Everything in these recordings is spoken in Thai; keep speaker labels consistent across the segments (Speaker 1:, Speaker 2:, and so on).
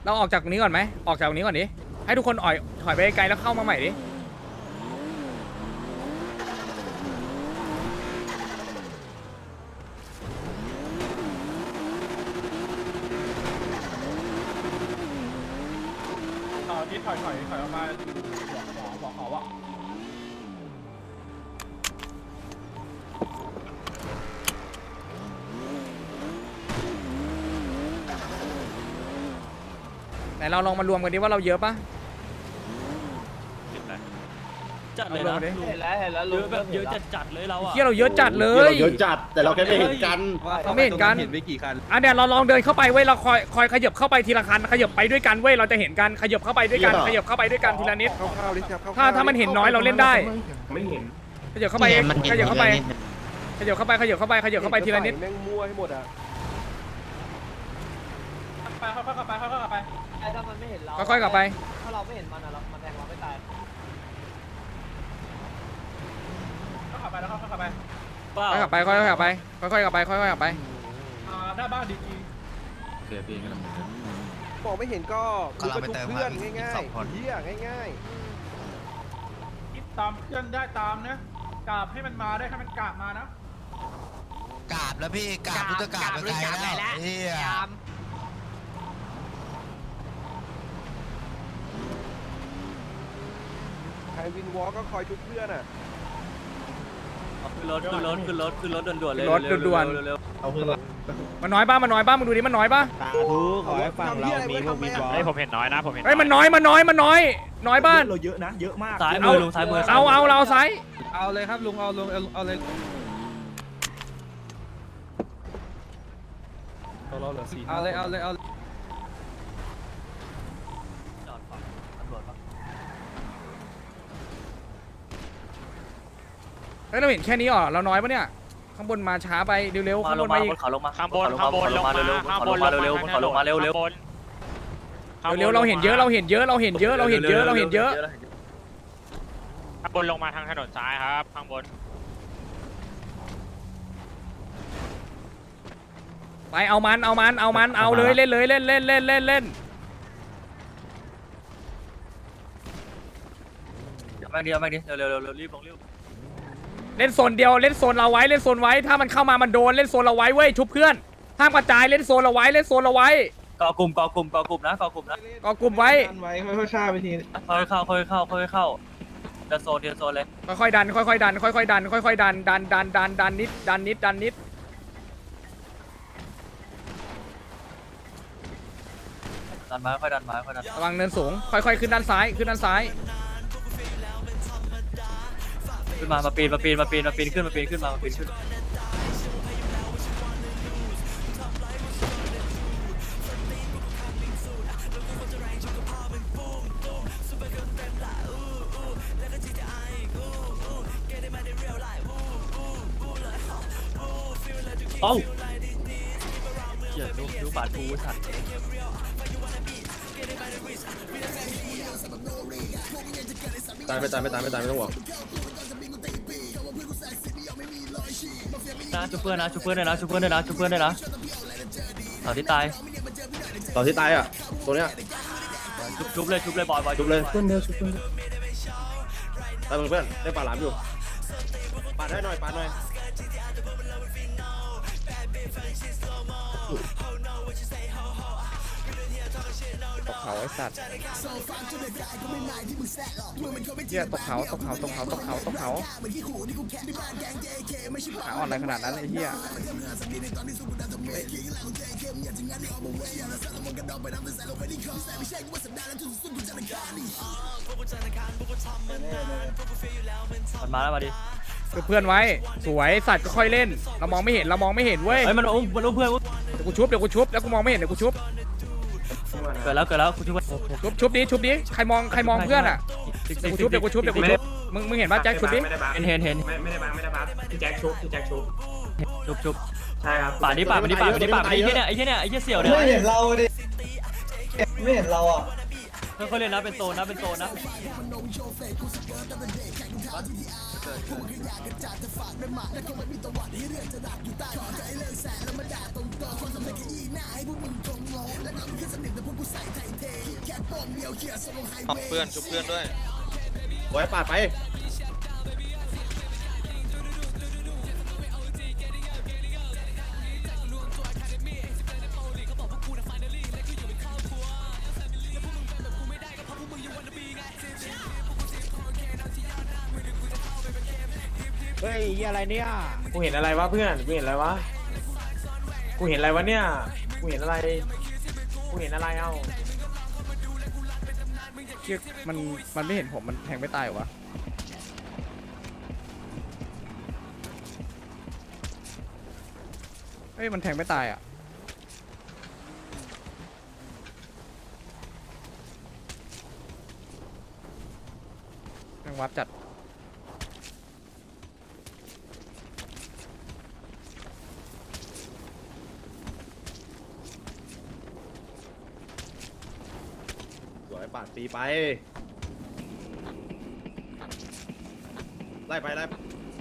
Speaker 1: เราออกจากตรงนี้ก่อนไหมออกจากตรงนี้ก่อนดิให้ทุกคนถอยไปไกลแล้วเข้ามาใหม่ดิ
Speaker 2: ที่ถอยออกมาบอกเขาว่า
Speaker 1: ไหนเราลองมารวมกันดิว่าเราเยอะปะ
Speaker 3: จัดเลยนะ
Speaker 4: เห็นแล้ว
Speaker 3: เยอะแบบเยอะจัดเลยเราอะ
Speaker 1: เที่ยเราเยอะจัดเลย
Speaker 5: เยอะจัดแต่เราแค่ไม่เห็นกัน
Speaker 1: เราไม่เห็นกัน
Speaker 6: เห็นไปกี่คัน
Speaker 1: อ่ะเดี๋ยวเราลองเดินเข้าไปเว้ยเราคอยขยับเข้าไปทีละคันขยับไปด้วยกันเว้ยเราจะเห็นกันขยับเข้าไปด้วยกันขยับเข้าไปด้วยกันทีละนิด
Speaker 5: เข้าๆดิครับ
Speaker 1: ถ้ามันเห็นน้อยเราเล่นได้
Speaker 2: ไม่เห็น
Speaker 1: ขยับเข้าไปขยับเข้าไปขยับเข้าไปขยับเข้าไปขยับเข้าไปทีละนิด
Speaker 5: แม่งมั่วให้หมดอ่ะ
Speaker 2: ไปเข้าไป
Speaker 4: ไอ้ถ้ามันไม่เห็นเรา
Speaker 1: ค่อยๆกลับไป
Speaker 4: ถ้าเราไม่เห็นมันอะเรามันแทงเราไม่ตาย
Speaker 2: เข้าไปแล้วเข้าไป
Speaker 3: เปล่า
Speaker 1: ค่อยๆกลับไปค่อยๆกลับไปค่อยๆกลับไปค่อยๆกลับไป
Speaker 2: หน้าบ้านดี
Speaker 6: เสียปีกันแล้ว
Speaker 5: บอกไม่เห็นก็
Speaker 7: กำลังไปเติม
Speaker 5: เพื่อน
Speaker 7: ครับอีก
Speaker 5: ง่าย
Speaker 7: สองคน
Speaker 5: ๆเฮียง่าย
Speaker 2: คิดตามเพื่อนได้ตามนะกราบให้มันมาได้ให้มันกราบมานะ
Speaker 7: กราบแล้วพี่กราบพุทธกราบไปไกลแล้วเฮีย
Speaker 5: ๆใครวินวอล์กก็คอยชุบเพื่อนอ่ะ
Speaker 3: ขึ้นรถด่วนๆเลย
Speaker 5: เอาเพื่อน
Speaker 1: มันน้อยป่ะมันน้อยป่ะมึงดูดิมันน้อยป่ะ
Speaker 5: สาธุขอให้ฝั่งเรามีพวกวินวอล์ก
Speaker 6: ผมเห็นน้อยนะผมเห็น
Speaker 1: เฮ้ยมันน้อยน้อยบ้าน
Speaker 5: เราเยอะนะเยอะมาก
Speaker 3: ซ้ายมือลุงซ้ายมือ
Speaker 1: เอาเราซ้าย
Speaker 6: เอาเลยครับลุงเอาลงเอาเลยเราเหลือ4เอาเลยเอา
Speaker 3: จอดฝั่งตำรวจปะ
Speaker 1: เฮ้ยเราเห็นแค่นี้เหรอเราน้อยป่ะเนี่ยข้างบนมาช้าไปเร็วๆ
Speaker 3: มา
Speaker 1: ข้าง
Speaker 3: ล
Speaker 1: บ
Speaker 3: ง
Speaker 1: น
Speaker 3: มา
Speaker 1: มาอี
Speaker 3: บ
Speaker 1: ก
Speaker 3: นเขาลงมา
Speaker 6: ข้างบนลงมา
Speaker 3: เร็วๆ
Speaker 1: เร็วๆเราเห็นเยอะเราเห็นเยอะเราเห็นเยอะเราเห็นเยอะเราเห็นเยอะ
Speaker 6: ข้างบนลงมาทางถนนซ้ายครับข้างบน
Speaker 1: ไปเอามันเอาเลยเล่นเลยเล่น
Speaker 3: มาดิเร็วรีบลงรีบ
Speaker 1: เล่นโซนเดียวเล่นโซนเราไว้เล่นโซนไว้ถ้ามันเข้ามามันโดนเล่นโซนเราไว้เว้ยชุบเพื่อนห้ามกระจายเล่นโซนเราไว้เล่นโซนเราไว้
Speaker 3: ก่อกลุ่มนะก่อกลุ่มนะ
Speaker 1: ก็กลุ่มไว้
Speaker 5: ไว้ค่อยๆชาไปที
Speaker 3: ค่อยเข้าเดินโซนเลย
Speaker 1: ค่อยๆดันค่อยๆดันค่อยๆดันค่อยๆดันนิดดันนิด
Speaker 3: ดันมาค่อยดัน
Speaker 1: ระวังเนินสูงค่อยๆขึ้นด้านซ้าย
Speaker 3: ขึ้นมาปีนขึ้นมาปีนขึ้นเอ้าเหี้ยดูบาดกูสัตว์
Speaker 5: ตายไม่ต้องห่วง
Speaker 3: นะชุบเพื่อนด้วยนะต่อที่ตาย
Speaker 5: ต่อที่ตายอ่ะตัวเนี้ย
Speaker 3: ชุบเลยบอย
Speaker 5: ชุบเลยเพื่อนเดียวชุบเพื่อนไปเพื่อนได้ปลาหลามอยู่ปาดได้หน่อย
Speaker 1: ตกเขาไอ้สัตว์เหี้ยตกเขาขาอ่อนอะไรขนาดนั้นไอ้เหี้ย
Speaker 3: มันมาแล้วมาดิ
Speaker 1: เพื่อนไว้สวยสัตว์ก็ค่อยเล่นเรามองไม่เห็นเว้ย
Speaker 3: เฮ้ยมันอุ้มเพื่อน
Speaker 1: เดี๋ยวกูชุบแล้วกูมองไม่เห็นเดี๋ยวกูชุบ
Speaker 3: เกิดแล้วคุณชุบ
Speaker 1: ชุบดิใครมองเพื่อนอ่ะเดี๋ยวกูชุบมึงเห็นป่ะแจ็คชุบดิ
Speaker 3: เห็น
Speaker 2: ไม่ได้บัฟพี่แจ็คชุบ
Speaker 3: ชุบ
Speaker 2: ใช่ครับ
Speaker 3: ป่านี้ป่าไอ้เหี้ยเสี่ยวเนี่ย
Speaker 4: ไม่เห็นเราดิไม่เห็นเราอ่ะ
Speaker 3: ค่อยๆเล่นนะเป็นโซนนะเพื่อนชุบเพื่อนด้วย
Speaker 5: ไว้ปาดไปเฮ้ยอะไรเนี่ย
Speaker 8: กูเห็นอะไรวะเพื่อน กูเห็นอะไรวะ กูเห็นอะไรวะเนี่ย กูเห็นอะไร กูเห็นอะไรเอ้า
Speaker 1: เชือกมันไม่เห็นผมมันแทงไม่ตายเหรอวะเฮ้ยมันแทงไม่ตายอ่ะแทงวัดจัด
Speaker 5: สวยปาดตีไปไล่ไปไล่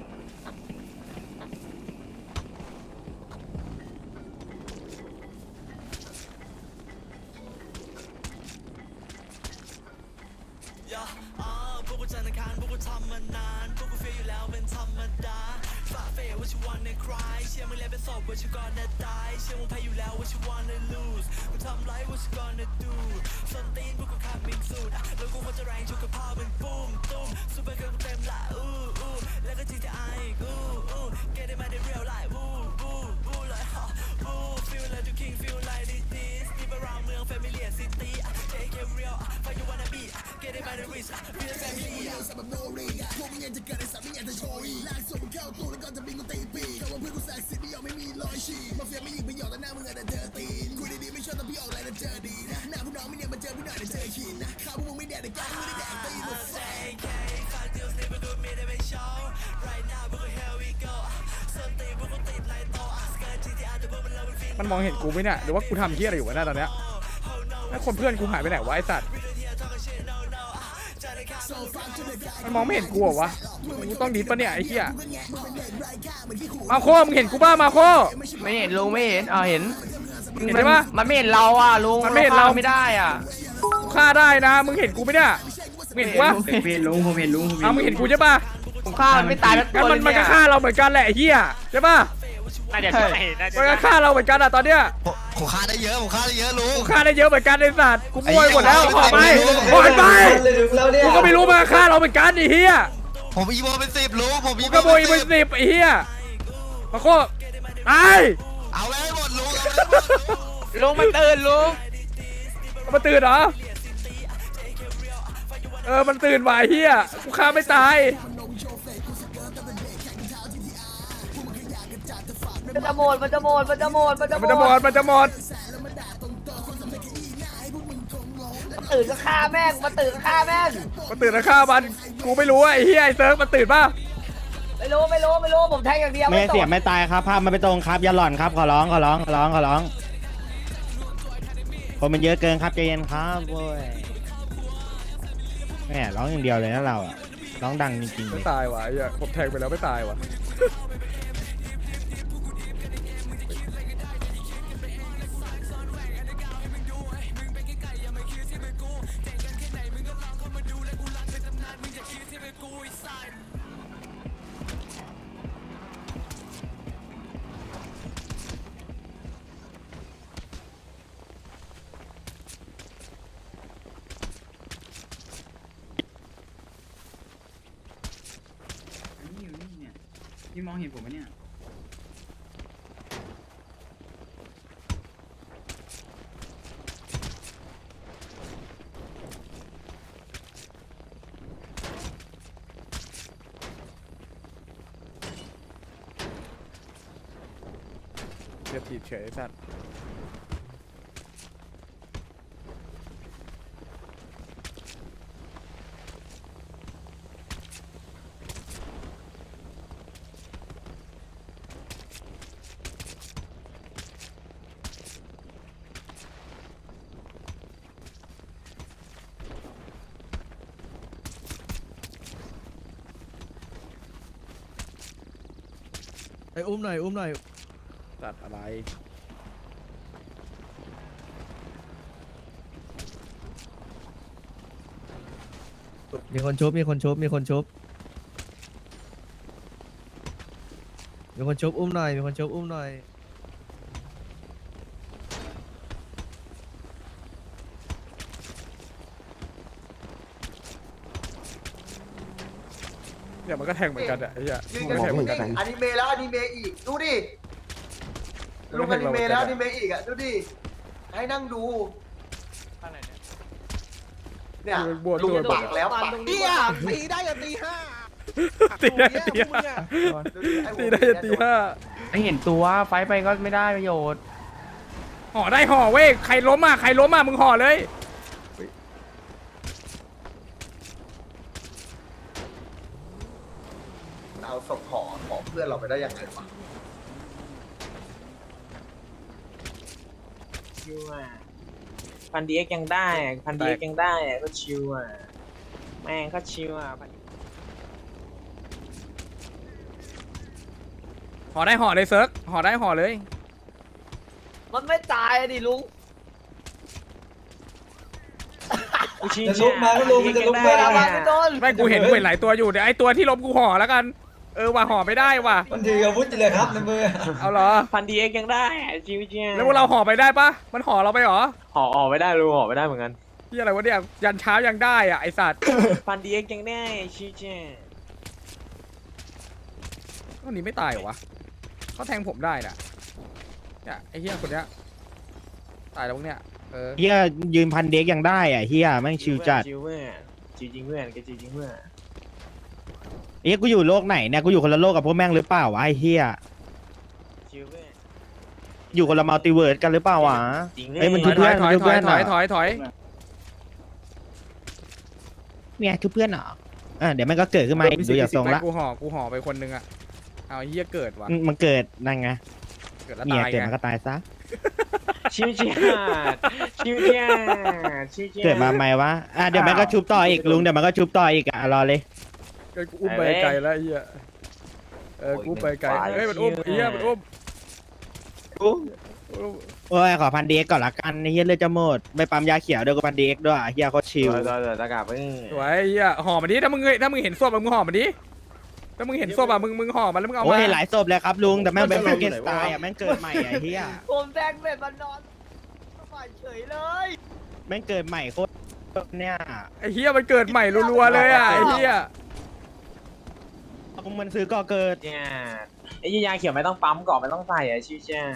Speaker 1: มันมองเห็นกูไหมเนี่ยหรือว่ากูทำเหี้ยอะไรอยู่วะเนี่ยตอนเนี้ยแล้วคนเพื่อนกูหายไปไหนวะไอ้สัตว์มันมองไม่เห็นกูเหรอวะกูต้องดีดปะเนี่ยไอ้เหี้ยมาโคมึงเห็นกูบ้ามาโค
Speaker 8: ไม่เห็นลุงไม่เห็นเห็น
Speaker 1: เห็นไหมวะ
Speaker 8: มันไม่เห็นเราอ่ะลุง
Speaker 1: มันไม่เห็นเรา
Speaker 8: ไม่ได้อ่ะ
Speaker 1: กูฆ่าได้นะมึงเห็นกูไหมเนี่ยมึงเห็นกูวะ
Speaker 8: ผมเห็นลุงผมเห็นลุง
Speaker 1: เอามึงเห็นกูใช่ปะ
Speaker 8: ผมฆ่ามันไม่ตายแล้ว
Speaker 1: งั้นมันก็ฆ่าเราเหมือนกันแหละไอ้เหี้ยใช่ปะ
Speaker 6: น่าจะใช่น่าจะ
Speaker 1: มันก็
Speaker 6: ใช่
Speaker 1: ฆ่าเราเหมือนกันอะตอนเนี้ย
Speaker 7: ผมฆ่าได้เยอะผมฆ่าได้เยอะลุง
Speaker 1: กูฆ่าได้เยอะเหมือนกันไอ้สัตว์กูมั่วไปหมดแล้วออกไปออกไป
Speaker 4: เลยถึงแล้วเนี่ย
Speaker 1: กูก็ไม่รู้มันก็ฆ่าเราเหมือนกันไอ้เหี้ย
Speaker 7: ผมอีโมเป็น10ลุงผม
Speaker 1: กู
Speaker 7: อีโม
Speaker 1: ก็โบยเป็นสิบไอ้เหี้ยมาโคตาย
Speaker 7: เอาเลยหมดลุง
Speaker 8: ลุงมันตื่นลุง
Speaker 1: มันตื่นเหรอมันตื่นว่ะไอ้เหี้ยกูฆ่าไม่ตาย
Speaker 4: มันจะหมดมันจะหมดมันจะหมดมันจะหม
Speaker 1: มันจะหม
Speaker 4: ด
Speaker 1: ดมันจะหมด
Speaker 4: ตื่นก็ฆ่าแม่งมาตื่นก็ฆ่าแม่ง
Speaker 1: มันตื่นแล้วฆ่ามันกูไม่รู้ไอ้เหี้ยไอ้เซิร์ฟมันตื่นป่ะ
Speaker 4: ไม่รู้ผมแทงอย่างเดียว
Speaker 8: ไม่เสียไม่ตายครับภาพมันไม่ตรงครับอย่าหล่อนครับขอร้องคนมันเยอะเกินครับใจเย็นครับโว้ยแม่ร้องอย่างเดียวเลยนะเราอ่ะร้องดังจริงๆเล
Speaker 1: ไม่
Speaker 8: ย
Speaker 1: ตายว่ะไอ้เหี้ยผมแทงไปแล้วไม่ตายว่ะ
Speaker 8: พี่มองเห็นผมไหมเนี่ย
Speaker 1: เดี๋ยวถีบเฉยไอ้สัตว์
Speaker 3: อุ้มหน่อย
Speaker 1: สัตว์อะไร
Speaker 3: เ
Speaker 1: ไ
Speaker 9: มีคนชุบมีคนชุบมีคนชุบมีคนชุบอุ้มหน่อยมีคนชุบอุ้มหน่อย
Speaker 1: เนี่ยมันก็แทงเหมือนกันอะไอ้เหี้ย
Speaker 4: ยืน
Speaker 1: มัน
Speaker 4: กัน
Speaker 1: ก็แทงเหมือนกัน
Speaker 4: อนิเมะแล้วอนิเมะอีกดูดิลุงอนิเมะแล้วอนิเมะอีกอ่ะดูดิให้นั่งดูเนี่ย
Speaker 1: บวช
Speaker 4: ลุง
Speaker 1: ตัว
Speaker 4: ปักแล้วปัก
Speaker 9: เตี้ยตีได้อย่าตีห้า
Speaker 1: ตีได้ตีห้าตีได้จะตีห้า
Speaker 8: ไม่เห็นตัวไฟไปก็ไม่ได้ประโยชน์
Speaker 1: ห่อได้ห่อเว้ยใครล้มอ่ะใครล้มอ่ะมึงห่อเลย
Speaker 4: เอาศพห่อเพื่อนเราไปได้ยังไงวะ
Speaker 8: ชิวอ่ะพันดีเอ็กยังได้พันดีเอ็กยังได้ก็ชิวอ่ะแม่งก็ชิวอ่ะ
Speaker 1: ห่อได้ห่อเลยเซิร์กห่อได้ห่อเลย
Speaker 4: มันไม่ตายดิลุง
Speaker 8: จะลุกมาก็ลุกจะลุกมา
Speaker 4: ไม่โดน
Speaker 1: ไม่กูเห็นหลายตัวอยู่เดี๋ยวไอ้ตัวที่ล้มกูห่อแล้วกันว่าห่อไม่ได้ว่ะ
Speaker 9: มันถืออาวุธเลยครับในมือ
Speaker 1: เอาเหรอ
Speaker 8: พันดีเอ็กยังได้ชิวเจีย
Speaker 1: แล้วพวกเราห่อไปได้ปะมันห่อเราไปเหรอ
Speaker 8: ห่อไม่ได้รู้ห่อไม่ได้เหมือนกัน
Speaker 1: ที่อะไรวะเนี่ยยันเช้ายังได้อ่ะไอสัตว์
Speaker 8: พันดีเอ็กยังได้ชิวเจีย
Speaker 1: คนนี้ไม่ตายเหรอวะเขาแทงผมได้น่ะเนี่ยไอ้เหี้ยคนเนี้ยตายแล้วพวกเนี้ย
Speaker 9: เฮียยืนพันเด็กยังได้อ่ะเฮียแม่งชิวจัด
Speaker 8: ชิวเพื่อนชิวจริงเพื่อนก็ชิวจริงเพื่อน
Speaker 9: เอ้ยกูอยู่โลกไหนเนี่ยกูอยู่คนละโลกกับพวกแม่งหรือเปล่าวะไอ้เฮีย
Speaker 8: ชิวเพื่อน
Speaker 9: อยู่คนละมัลติเวิร์สกันหรือเปล่าวะ
Speaker 8: จริง
Speaker 9: เอ้ยมัน
Speaker 1: ถ
Speaker 9: ชุ
Speaker 1: อบ ย
Speaker 9: เพื่อน
Speaker 1: ถอย
Speaker 9: ชุบ
Speaker 1: ถอ
Speaker 9: เพื่
Speaker 1: ย
Speaker 9: อน
Speaker 1: ถอยถอยถอย
Speaker 9: เนี่ยชุบเพื่อนเหรอเดี๋ยวมันก็เกิดขึ้นมาอีกดูอย่างทรงละ
Speaker 1: กูห่อไปคนนึงอ่ะเอาไอ้เหี้ยเกิดว่ะ
Speaker 9: มันเกิดนั่นไง
Speaker 1: เกิดแล้ว
Speaker 9: เมีย
Speaker 1: ตาย
Speaker 9: เกิด
Speaker 1: ไง
Speaker 9: มันก็ตายซะ
Speaker 8: ชิวเจียชิวเจียชิวเจีย
Speaker 9: เกิดมาใหม่วะเดี๋ยวมันก็ชุบต่ออีกลุงเดี๋ยวมันก็ชุบต่ออีกรอเลย
Speaker 1: กูอุ้มไปไกลแล้วไอ้เหี้ยกูไปไกลเฮ้ยมันอุ้มไอ้เหี้ยมันอุ้ม
Speaker 9: โอ้ยขอพันเด็กก่อนละกันไอ้เฮียเลือดจะหมดไม่ปั๊มยาเขียวด้วยก็พันเด็กด้วยเฮียโคตรชิว
Speaker 8: ตะกาบเพิ่ง
Speaker 1: สวยไอ้เหี้ยห่อมันดิถ้ามึงเห็นศพมึงห่อมันดิถ้ามึงเห็นศพมึงห่อมันแล้วมึงเอา
Speaker 9: โอ้
Speaker 1: มาย
Speaker 9: หลายศพเลยครับลุงแต่แม่งเป็นแฟรงเกนสไตน์แม่งเกิดใหม่ไอ้เฮีย
Speaker 4: ผมแทงเสร็จมันนอนสบายเฉยเลย
Speaker 9: แม่งเกิดใหม่โคตรเนี่ย
Speaker 1: ไอ้เหี้ยมันเกิดใหม่รัวๆเลยอ่ะไอ้เหี้ย
Speaker 9: มึงมันซื้อก่อเกิด
Speaker 8: เนี่ยไอ้ยาเขียวไม่ต้องปั๊มก่อนไม่ต้องใส่ชิวเจีย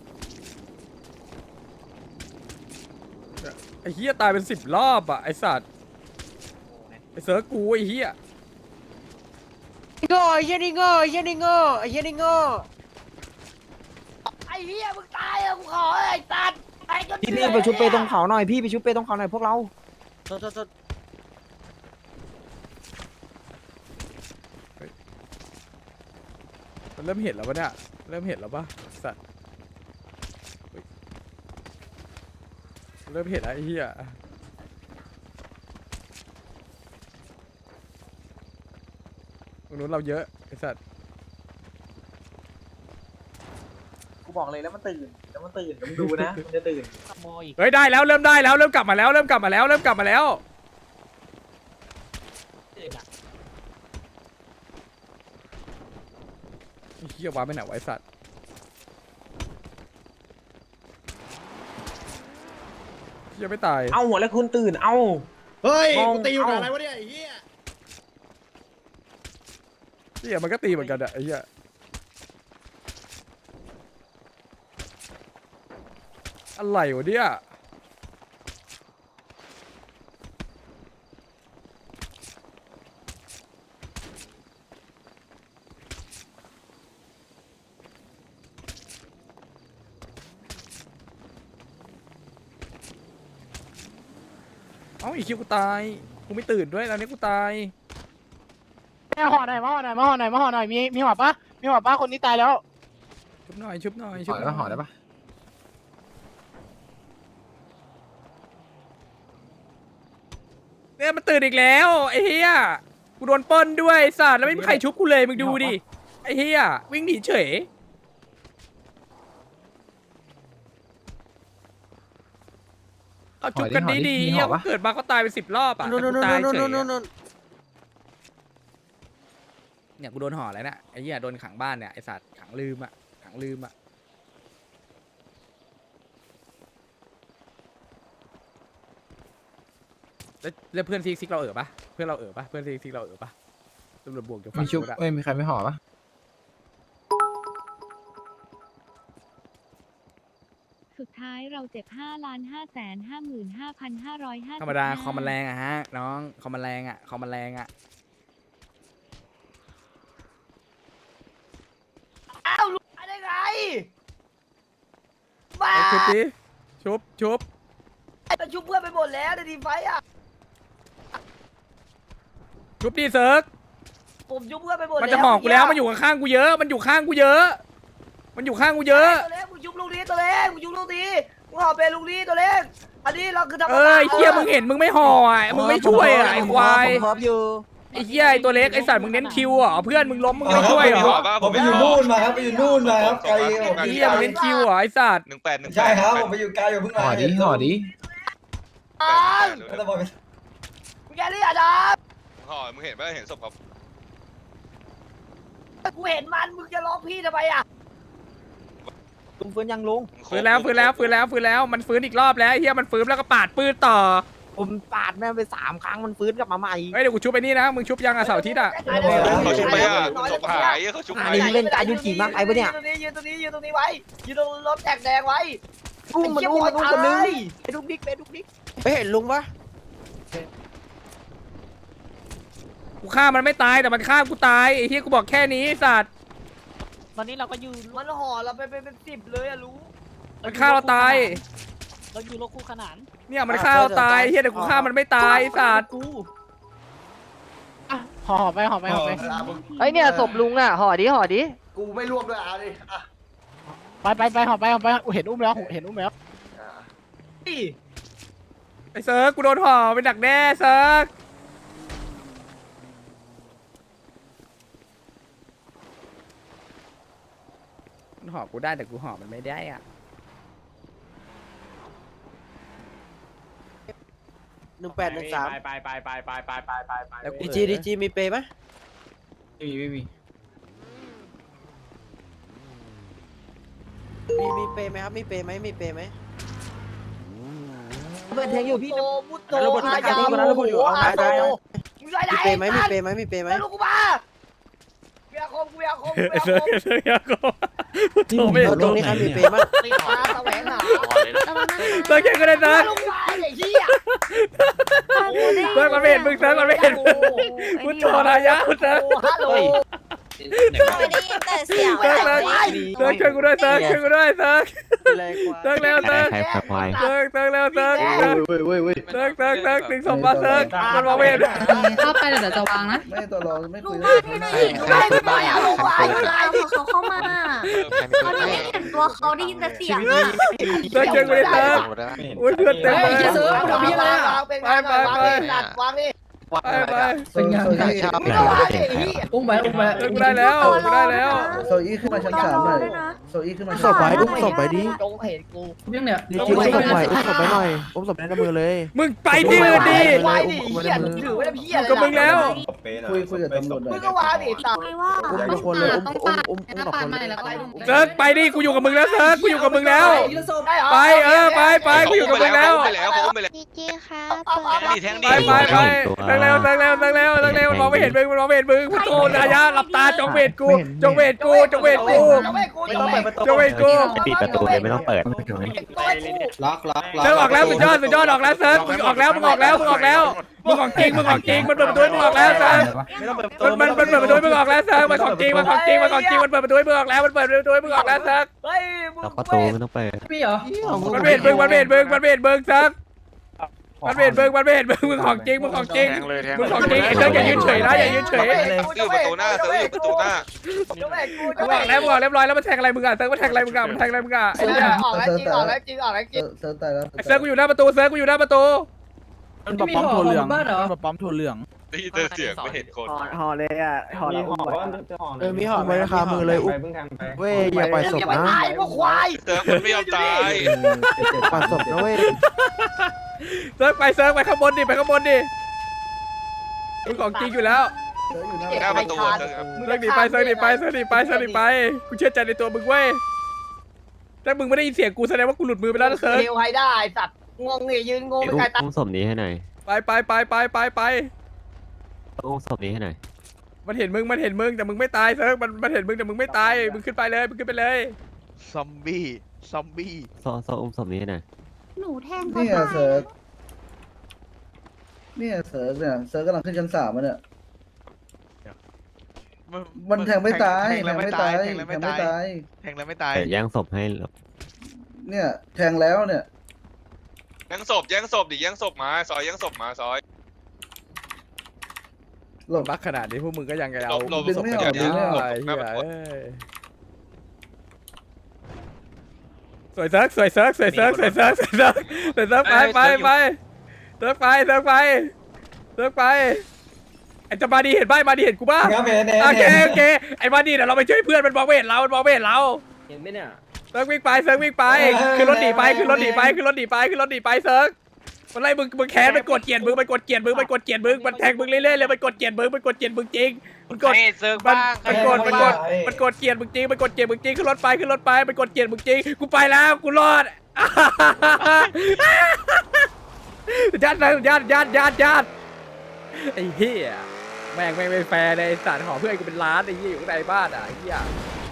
Speaker 1: ไอ้เหี้ยตายเป็น10 รอบอ่ะไอ้สัตว์ไอ้เซิร์ฟกูไอ้เหี้ย
Speaker 8: โง่เฮียนี่โง่เฮียนี่โง่เฮียนี่โง่
Speaker 4: ไอ้เหี้ยมึงตายอ่ะกูขอไอ้ตัดไอ้ก็
Speaker 9: พี่ไปชุบเปตรงเขาหน่อยพี่ไปชุบเปตรงเขาหน่อยพวกเรา
Speaker 1: มันเริ่มเห็นแล้วปะเนี่ยเริ่มเห็นแล้วปะสัตว์เฮ้ยเริ่มเห็นแล้วไอ้เหี้ยตรงนู้นเราเยอะไอ้สัตว์
Speaker 8: กูบอกเลยแล้วมันตื่นต้องดูนะมันจะตื่น
Speaker 1: เฮ้ยได้แล้วเริ่มได้แล้วเริ่มกลับมาแล้วเริ่มกลับมาแล้วเริ่มกลับมาแล้วไอ้เหี้ยวางไปไหนวะไอ้สัตว์เหี้ยไม่ตาย
Speaker 8: เอาหัวแล้วคุณตื่นเอา
Speaker 5: เฮ้ย
Speaker 8: มอง
Speaker 5: กูตีอยู่กับอะไรวะเนี่ยไอ้เหี้ย
Speaker 1: เหี้ยมันก็ตีเหมือนกันอะไอ้เหี้ยอะไรวะเนี่ยเอ้าอีกคิวกูตายกูไม่ตื่นด้วยตอนนี้กูตาย
Speaker 8: ห่อหน่อยมีหัวปะคนนี้ตายแล้ว
Speaker 1: ชุบหน่อยชุบหน่อยชุบหน่อยห่อได้ปะเนี่ยมันตื่นอีกแล้วไอ้เหี้ยกูโดนปล้นด้วยไอ้สัตว์แล้วไม่มีใครชุบกูเลยมึงดูดิไอ้เหี้ยวิ่งหนีเฉยเอาชุบกันดีๆเหี้ยกูเกิดมาก็ตายไป10 รอบอ่ะแต่กูตายเฉยอะเนี่ยกูโดนห่อแล้วเนี่ยไอ้เหี้ยโดนขังบ้านเนี่ยไอ้สัตว์ขังลืมอ่ะขังลืมอ่ะแล้วเพื่อนซิกเราปะเพื่อนเราปะเพื่อนซิกเราปะตำรวจบวกอยู่ฝั่งนู้นอะ
Speaker 8: มีใครไม่ห่อปะ
Speaker 10: สุดท้ายเราเจ็บ5,555,550
Speaker 1: ธรรมดาคอมมันแรงอะฮะน้องคอมมันแรงอะคอมมันแรงอะ
Speaker 4: อ้าวรู้ได้ไงบ้า
Speaker 1: ชุบดิชุบ
Speaker 4: จะชุบเพื่อนไปหมดแล้วในทีมไฟอ่ะ
Speaker 1: ชุบดิเซิร์ก
Speaker 4: ผมชุบเพื่อนไปหมดแล้ว
Speaker 1: มันจะห่อกูแล้วมันอยู่ข้างๆกูเยอะมันอยู่ข้างกูเยอะมันอยู่ข้างกูเยอะ
Speaker 4: ตัวเล็กมึงชุบลูกนี้ตัวเล็กมึงชุบลูกนี้มึงห่อเป็นลูกนี้ตัวเล็กอันนี้เราคือทำ
Speaker 1: เอ้ยเฮียมึงเห็นมึงไม่ห่ออ่ะมึงไม่ช่วยอ่ะไอ้ควาย
Speaker 9: พร้อมอยู่
Speaker 1: ไอ้เฮียไอ้ตัวเล็กไอ้สัตว์มึงเน้นคิวเหรอเพื่อนมึงล้มมึงไม่ช่วยเหรอ
Speaker 3: ผมไปอยู่นู่นมาครับไปอยู่นู่นมาครับไกล
Speaker 1: ไอ้เฮียมึงเน้นคิวเหรอไอ้สัตว์
Speaker 3: ใช่ครับผมไปอยู่ไกลอยู่เพิ่งมา
Speaker 8: ห่อดิ
Speaker 3: แล้วบอกไป
Speaker 4: มึงแกนี่อ่ะจ๊ะ
Speaker 5: ห่อมึงเห็นป่ะเห็นศพครับ
Speaker 4: กูเห็นมันมึงจะร้องพี่ทำไมอ่ะ
Speaker 9: ลุงฟื้นยังลุง
Speaker 1: ฟื้นแล้วมันฟื้นอีกรอบแล้วไอ้เฮียมันฟื้นแล้วก็ปาดปืนต่อ
Speaker 9: ผมปาดแม่งไป3 ครั้งมันฟื้นกลับมาใหม่
Speaker 1: เฮ้ยเดี๋ยวกูชุบไปนี่นะมึงชุบยังอ่ะเสาร์อาทิตย์อ่ะ
Speaker 5: เขาชุบไปอ่ะศพหายเขาชุบหาย
Speaker 9: เล่นการยุติมากไปปะเนี่ย
Speaker 4: ยืนตรงนี้ไว้ยืนตรงรถแตกแดงไว้
Speaker 9: อุ้มคนนึงไปดุกดิกไปเห็นลุงปะ
Speaker 1: กูฆ่ามันไม่ตายแต่มันฆ่ากูตายไอ้เฮียกูบอกแค่นี้ไอ้สัตว์
Speaker 10: ตอนนี้เราก็อยู่
Speaker 4: มันห่อเราไปเป็น10เลยอะรู้
Speaker 1: มันฆ่าเราตาย
Speaker 10: เราอยู่รถคู่ขนาน
Speaker 1: เนี่ยมันฆ่าเราตายเฮียแต่กูฆ่ามันไม่ตายไอ้สัตว์
Speaker 10: ห่อไป
Speaker 4: ไอเนี่ยศพลุงอ่ะห่อดิกูไม่ร่วมด้วยอ่ะดิอ่ะ
Speaker 10: ไปห่อไปเห็นอุ้มแล้ว
Speaker 1: ไอ้เซิร์กกูโดนห่อเป็นดักแด้เซิร์กมันห่อกูได้แต่กูห่อมันไม่ได้อ่ะ
Speaker 9: 1813
Speaker 6: ไป
Speaker 1: แล้วกู
Speaker 9: ดีจีมีเปย์ไหม
Speaker 8: ไม่มี
Speaker 9: มีเปย์ไหมครับมีเปย์ไหม
Speaker 4: เปิดเพลงอยู่พี่โตมุตโต
Speaker 9: แล้วบท
Speaker 4: ฮายา
Speaker 9: วันนั้นเราพูดอยู่เอา
Speaker 4: ฮา
Speaker 9: ได้
Speaker 4: โตมึงได้
Speaker 9: มีเปย์ไหม
Speaker 4: ไม่รู้กูมากูอยากคม
Speaker 1: ไอ้เซิร์กอยากโกโทรไม่เห็น
Speaker 9: ตรงนี้ใครมีเปย์มั้ง
Speaker 4: ติดตาแสวงหา
Speaker 1: เซิร์กแค่ก็ได้เซิร์ก
Speaker 4: ลูกมาไอ้เหี้ย
Speaker 1: เซิร์กมันไม่เห็นมึงเซิร์กมันไม่เห็นมึงกูโทรนายะกูเซิร์ก
Speaker 4: ฮัลโหล
Speaker 10: ไม่ได้ยินแต่เสียง
Speaker 1: เซิร์กช่วยกูด้วยเซิร์กช่วยกูด้วยเซิร์กเซิร์กเร็วเซิร์กเซิร์กเร็วเซิร์กดึงศพมาเซิร์กมันมองไม่เห็น
Speaker 10: เข้าไปเดี๋ยวจะวางนะ
Speaker 3: ไม่ตัวรองไม่คุย
Speaker 4: ไม่ไปอ่ะลงไป
Speaker 10: เขาเข้ามาเขาไม่เห็นตัวเขาได้ยินแต่เสียง
Speaker 1: เซิร์กช่วยกูด้วยเซิร์กอุ้ยเพื่อนเต็มเลย
Speaker 4: วางดิ
Speaker 1: ไป
Speaker 3: เป็นงานที่
Speaker 4: ไม่ต้องวางดิเหี้ย
Speaker 3: อุ้มไป
Speaker 1: เซิร์กกูได้แล้วกูได้แล้ว
Speaker 3: โซอี้ขึ้นมาชั้น3หน่อยโซอี้ขึ้นมา
Speaker 9: ศพไว้อุ้มศพไปดิ
Speaker 4: จงเห็นกู
Speaker 3: ยังเนี่ย
Speaker 9: ดีจีอุ้มศพไว้หน่อยอุ้มศพในมือเลย
Speaker 1: มึงไปที่อื่นดิ
Speaker 4: ไว้ดิเหี้ยถือไว้แล้วพี่อะไร
Speaker 1: กับมึงแล้ว
Speaker 3: คุยกับตำรวจหน่
Speaker 4: มึ
Speaker 3: อง ย
Speaker 4: ก็วางดิตัด
Speaker 10: ไม่ว่า
Speaker 9: อุ้มทุกคนเลยอุ้ม2 คน
Speaker 1: เซิร์กไปดิกูอยู่กับมึงแล้วเซิร์กกูอยู่กับมึงแล้ว
Speaker 4: ได้เหรอ
Speaker 1: ไปกูอยู่กับมึงแล้ว
Speaker 5: ไปแล้วเขาไปแล้ว
Speaker 10: ดีจีค่ะ
Speaker 5: แทง
Speaker 1: ไป
Speaker 5: ดิ
Speaker 1: ตั้งเร็วมันมองไม่เห็นมึงพุทโธนายะหลับตาจงเวทกู
Speaker 9: ไม่ต้องเปิดประตู
Speaker 1: จงเวทกู
Speaker 9: ปิดประตูเลยไม่ต้องเปิด
Speaker 3: ล็อก
Speaker 1: เซิร์กออกแล้วสุดยอดออกแล้วเซิร์กมึงออกแล้วมึงของจริงมันเปิดประตูมึงออกแล้วเซิร์ก
Speaker 9: ไม่ต้องเปิดประตู
Speaker 1: มันเปิดประตูมึงออกแล้วเซิร์กมันของจริงมันเปิดประตูมึงออกแล้วมันเปิดประตูมึงออกแล้วเซิร์ก
Speaker 4: เฮ้ยมึง
Speaker 9: ประตูไม่ต้องเปิด
Speaker 3: พี่เหรอ
Speaker 1: มันเวทมึงเซิร์กมันเวทมึงมึงของจริงไอ้เซิร์กอย่ายืนเฉยนะอย่ายืนเฉย
Speaker 5: ซื้อประตูหน้าซื้อประตูหน้า
Speaker 1: มึงออกแล้วเรียบร้อยแล้วมันแทงอะไรมึงอ่ะเซิร์กมันแทงอะไรมึงอ่ะไอ้เนี่ย
Speaker 4: ออกแล้วจริงออกแล้วจริง
Speaker 3: เซิร์ฟตายแล้ว
Speaker 1: เซิร์กกูอยู่หน้าประตู
Speaker 9: มันปั๊มถั่วเหลืองมันปั๊มถั่วเหลือง
Speaker 5: ได้ยินเสียงไม่เห็นคน
Speaker 9: ห่อเลยอ่ะห่อแล้วมีห่อไว้คามือเลยอุ้มเว้ยอย่าปล่อยศพ
Speaker 4: อย่าไป
Speaker 9: นะ
Speaker 4: ตายพวกควาย
Speaker 5: เซิร์ฟมันไม่ยอมตาย
Speaker 9: ปล่อยศพนะเว้ย
Speaker 1: เซิร์กไปข้างบนดิมึงของจริงอยู่แล้ว
Speaker 10: หน้าประตูเซิร์ฟครับ
Speaker 1: เซิร์กหนีไปเซิร์กหนีไปเซิร์กหนีไปเซิร์กหนีไปกูเชื่อใจในตัวมึงเว้ยถ้ามึงไม่ได้ยินเสียงกูแสดงว่ากูหลุดมือไปแล้วนะเซิร์ก
Speaker 4: เร็วให้ได้สัตว์งงเนี่ยยืนงงไปไกลตา
Speaker 5: อุ้มศพนี้ให้หน่อย
Speaker 1: ไป
Speaker 5: อุ้มศพนี้ให้หน่อย
Speaker 1: มันเห็นมึงแต่มึงไม่ตายเซิร์กมันเห็นมึงแต่มึงไม่ตายมึงขึ้นไปเลยมึงขึ้นไปเลย
Speaker 10: ซอมบี้
Speaker 5: โซ่อุ้มศพนี้ให้หน่อย
Speaker 10: หนูแทงเขา
Speaker 11: เนี่ย
Speaker 10: ตาย
Speaker 11: เซิร์ฟเนี่ยเซิร์ฟเนี่ยเซิร์ฟกำลังขึ้นชั้น 3มันเนี่ยมันแทงไม่ตายแทงไม่ตายแทงไม่ตาย
Speaker 10: แทงแล้วไม่ตาย
Speaker 5: แต่แย่งศพให้เหรอ
Speaker 11: เนี่ยแทงแล้วเนี่ย
Speaker 10: แย่งศพดิแย่งศพมาซอยแย่งศพมาซอย
Speaker 11: หลบ
Speaker 1: บักขนาดนี้พวกมึงก็ยังไงเอา
Speaker 10: หลบ
Speaker 11: ดึงไม่ออกดึงไม่ออก
Speaker 1: ไอ้เหี้ยเอ้ยสวยเซิร์กไปเซิร์กเไปไอ้จะมาดีเห็นป่ะมาดีเห็นกูป่ะโอเคไอ้มาดีเดี๋ยวเราไปช่วยเพื่อนมันมองไม่เห็นเรา
Speaker 8: เห็นไหมเนี่ย
Speaker 1: เซิร์กวิ่งไปขึ้นรถหนีไปเซิร์กมันไล่มึงแค้นมันกดเกลียดมึงมันแทงมึงเรื่อยๆเลยมันกดเกลียดมึงจริงมันกด
Speaker 6: ให้เซิร์ฟบ้าง
Speaker 1: มันกดเกลียดมึงจริงขึ้นรถไปมันกดเกลียดมึงจริงกูไปแล้วกูรอดยัดไอ้เหี้ยแม่งไม่แฟร์เลยไอ้สัตว์หอเพื่อนกูเป็นล้านไอ้เหี้ยอยู่ข้างในบ้านอ่ะไอ้เหี้ย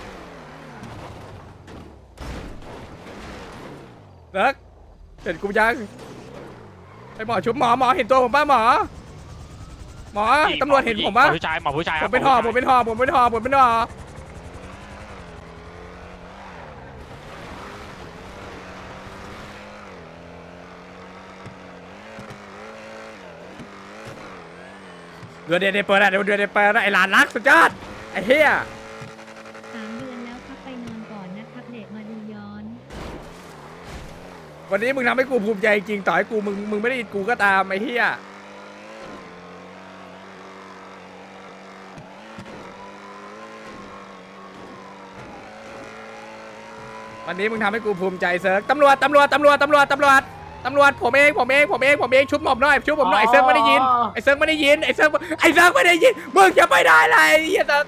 Speaker 1: เลิกเห็นกูยังไอ้หมอชุบหมอเห็นตัวผมป่ะหมอตำรวจเห็นผมป่ะ
Speaker 6: หมอผู้ชาย
Speaker 1: ผมเป็นห่อเดือดเปิดไอ้หลานรักสุดยอดไอ้เหี้ย
Speaker 12: 3 เดือนแล้วครับไปนอนก่อนนะครับเด็กมาดูย้อน
Speaker 1: วันนี้มึงทำให้กูภูมิใจจริงต่อให้กูมึงไม่ได้ยินกูก็ตามไอ้เหี้ยวันนี้มึงทำให้กูภูมิใจเซิร์กตำรวจผมเองชุบหม่อมหน่อยไอ้เซิร์กไม่ได้ยินมึงจะไปได้ไรไอ้เหี้ยเซิร์ก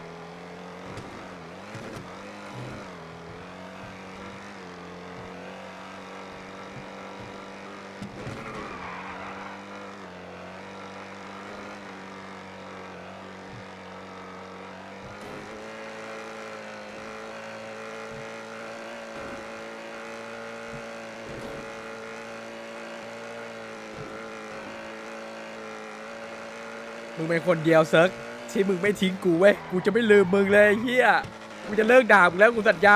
Speaker 1: มึงเป็นคนเดียวเซิร์กที่มึงไม่ทิ้งกูเว้ยกูจะไม่ลืมมึงเลยไอ้เฮียกูจะเลิกด่ามึงแล้วกูสัญญา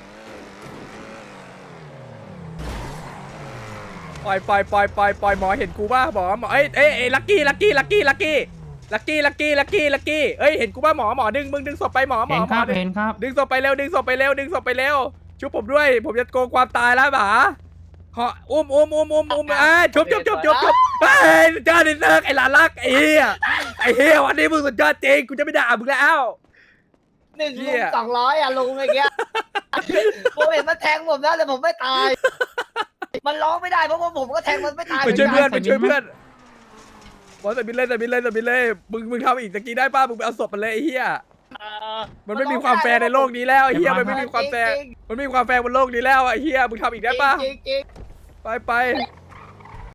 Speaker 1: ปล่อยหมอเห็นกูป่ะหมอเอ้ยลักกี้เอ้ยเห็นกูป่ะหมอดึงศพไปหมอ
Speaker 2: เห็นครับ
Speaker 1: ดึงศพไปเร็วชุบผมด้วยผมจะโกงความตายแล้วหมาขออุ้มชุบเฮ้ยสุดยอดเซิร์กไอ้หลานรักไอ้เหี้ยวันนี้มึงสุดยอดจริงกูจะไม่ด่ามึงแล้ว
Speaker 4: 1 ลุง 200อ่ะลุงเมื่อกี้ผมเห็นมันแทงผมนะแต่ผมไม่ตายมันร้องไม่ได้เพราะว่าผมก็แทงมันไม่ตาย
Speaker 1: ไปช่วยเพื่อนบอสบินเลยมึงทำอีกตะกี้ได้ป่ะมึงไปเอาศพมันเลยไอ้เหี้ยมันไม่มีความแฟร์ในโลกนี้แล้วไอ้เหี้ยมันไม่มีความแฟร์บนโลกนี้แล้วไอ้เหี้ยมึงทำอีกได้ป่ะไป